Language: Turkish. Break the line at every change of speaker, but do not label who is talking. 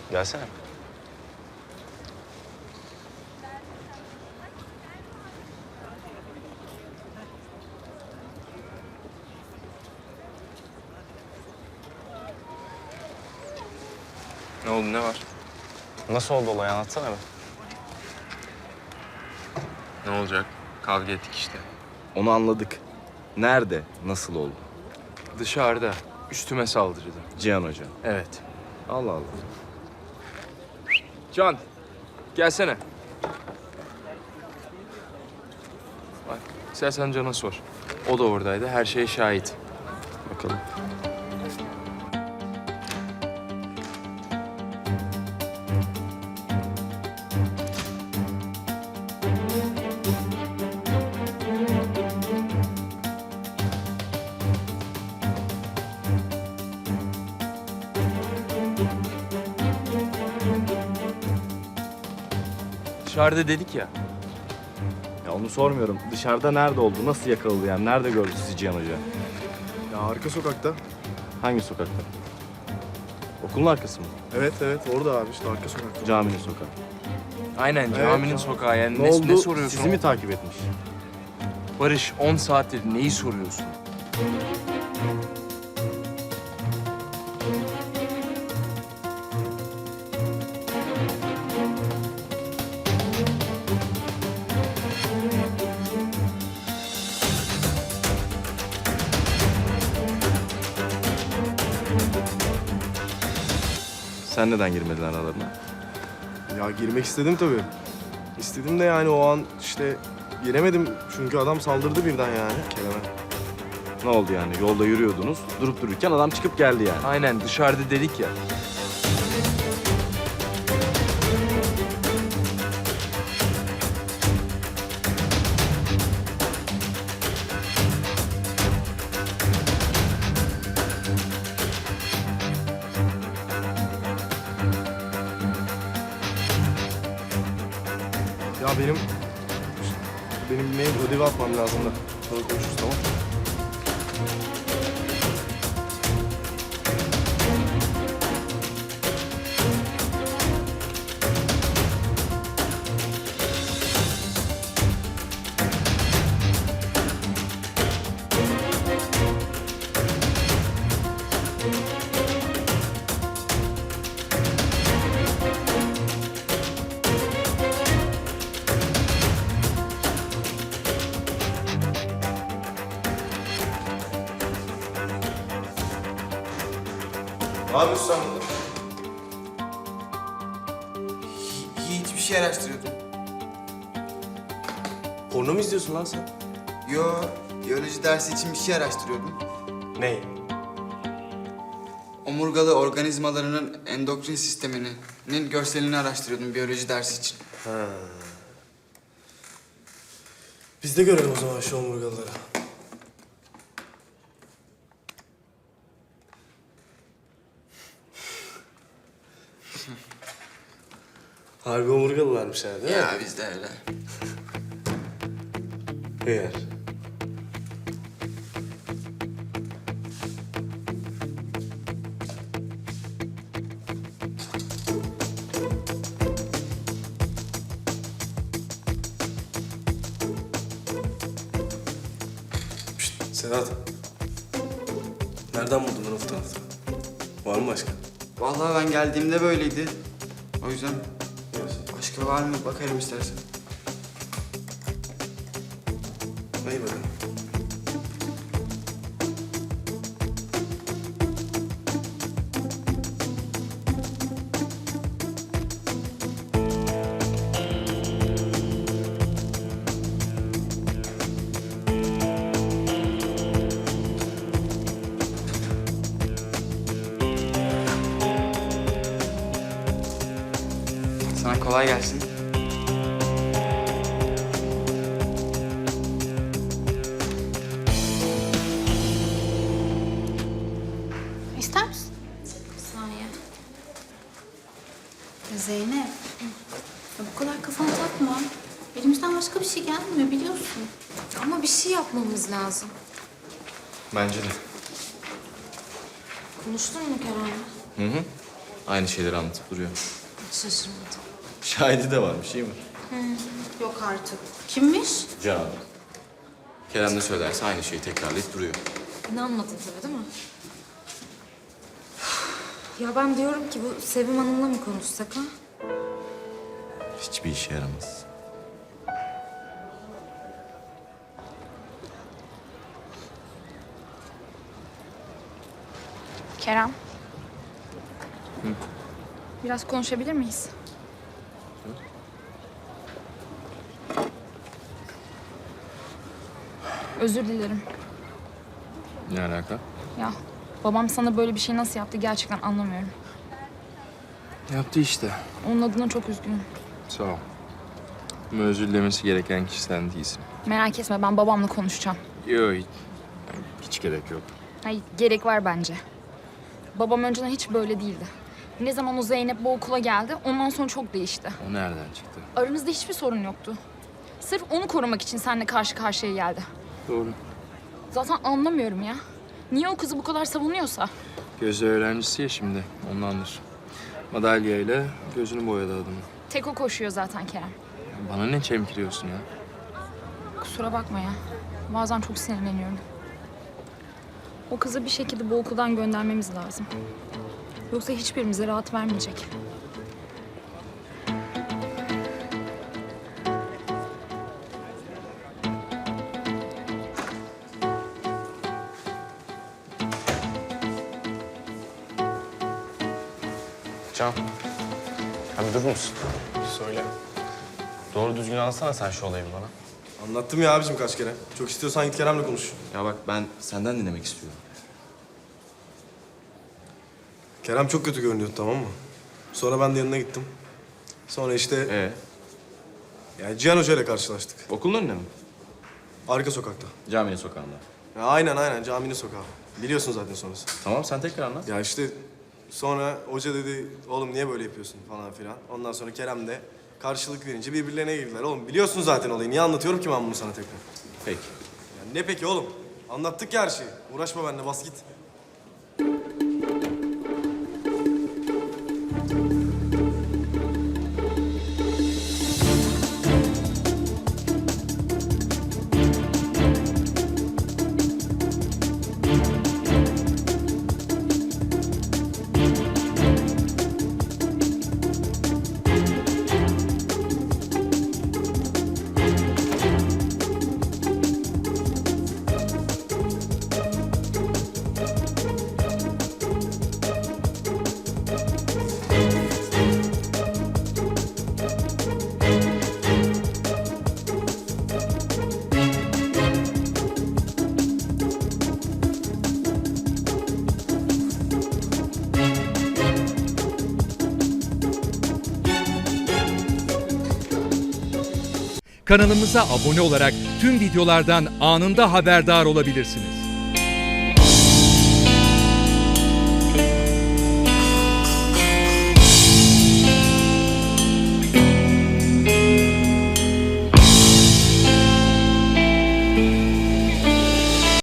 Gelsene.
Ne oldu, ne var?
Nasıl oldu olay, anlatsana be.
Ne olacak? Kavga ettik işte.
Onu anladık. Nerede, nasıl oldu?
Dışarıda. Üstüme saldırdı.
Cihan Hoca.
Evet.
Allah Allah.
Can, gelsene. Bak, istersen Can'a sor. O da oradaydı, her şeye şahit.
Bakalım.
Dışarıda dedik ya.
Ya onu sormuyorum. Dışarıda nerede oldu, nasıl yakaladı yani? Nerede gördü sizi Cihan Hoca?
Ya arka sokakta.
Hangi sokakta? Okulun arkası mı?
Evet orada abi işte arka sokakta.
Caminin sokağı.
Aynen,
Evet,
caminin
tamam.
sokağı. Yani
Ne oldu?
ne soruyorsun?
Sizi mi takip etmiş?
Barış, 10 saattir neyi soruyorsun?
Sen neden girmedin aralarına?
Ya girmek istedim tabii. İstedim de yani o an işte giremedim çünkü adam saldırdı birden yani Kerem'e.
Ne oldu yani? Yolda yürüyordunuz. Durup dururken adam çıkıp geldi yani.
Aynen, dışarıda dedik ya.
Ya benim mail ödevi atmam lazım da. Sonra konuşuruz, tamam. Ne yapıyorsun sen burada?
Hiçbir şey araştırıyordum.
Porno mu izliyorsun lan sen?
Yo, biyoloji dersi için bir şey araştırıyordum.
Ne?
Omurgalı organizmalarının endokrin sisteminin görselini araştırıyordum biyoloji dersi için.
Biz de görelim o zaman şu omurgalıları. Harbi omurgalılarmış yani değil mi?
Ya biz de öyle.
Eğer. Şşt, Sedat. Nereden buldun lan o fotoğrafı? Var mı başka?
Vallahi ben geldiğimde böyleydi. O yüzden başka var mı bakarım istersen.
İyi bakalım.
Sana kolay gelsin.
İster misin? Bir saniye. Zeynep. Ya bu kadar kafana takma. Elimizden başka bir şey gelmiyor biliyorsun.
Ama bir şey yapmamız lazım.
Bence de.
Konuştun mu Kerem'le?
Hı hı.
Aynı şeyleri anlatıp duruyor.
Hiç şaşırmadım.
Şahidi de varmış iyi mi?
Yok artık. Kimmiş?
Can.
Kerem ne söylerse aynı şeyi tekrarlayıp duruyor.
İnanmadın tabii değil mi? Ya ben diyorum ki bu Sevim Hanım'la mı konuşsak ha?
Hiçbir işe yaramaz.
Kerem. Biraz konuşabilir miyiz? Özür dilerim.
Ne alaka?
Ya babam sana böyle bir şey nasıl yaptı gerçekten anlamıyorum.
Yaptı işte.
Onun adına çok üzgünüm.
Sağ ol. Ama özür dilemesi gereken kişi sen değilsin.
Merak etme ben babamla konuşacağım.
Yok hiç gerek yok.
Hayır gerek var bence. Babam önceden hiç böyle değildi. Ne zaman o Zeynep bu okula geldi ondan sonra çok değişti.
O nereden çıktı?
Aranızda hiçbir sorun yoktu. Sırf onu korumak için seninle karşı karşıya geldi.
Doğru.
Zaten anlamıyorum ya. Niye o kızı bu kadar savunuyorsa?
Gözde öğrencisi ya şimdi. Ondandır. Madalyayla gözünü boyadı adamın.
Tek o koşuyor zaten Kerem.
Bana ne çemkiriyorsun ya?
Kusura bakma ya. Bazen çok sinirleniyorum. O kızı bir şekilde bu okuldan göndermemiz lazım. Yoksa hiçbirimize rahat vermeyecek.
Can. Abi durur musun?
Söyle.
Doğru düzgün anlatsana sen şu olayı bana.
Anlattım ya abicim kaç kere. Çok istiyorsan git Kerem'le konuş.
Ya bak ben senden dinlemek istiyorum.
Kerem çok kötü görünüyordu, tamam mı? Sonra ben de yanına gittim. Sonra işte yani Cihan Hoca ile karşılaştık.
Okulun önünde mi?
Arka sokakta.
Caminin sokağında.
Ya aynen caminin sokağı. Biliyorsun zaten sonrası.
Tamam sen tekrar anlat.
Ya işte sonra hoca dedi oğlum niye böyle yapıyorsun falan filan. Ondan sonra Kerem de karşılık verince birbirlerine girdiler. Oğlum biliyorsun zaten olayı. Niye anlatıyorum ki ben bunu sana tekrar?
Peki.
Ya ne peki oğlum? Anlattık ya her şeyi. Uğraşma benimle, bas git.
Kanalımıza abone olarak tüm videolardan anında haberdar olabilirsiniz.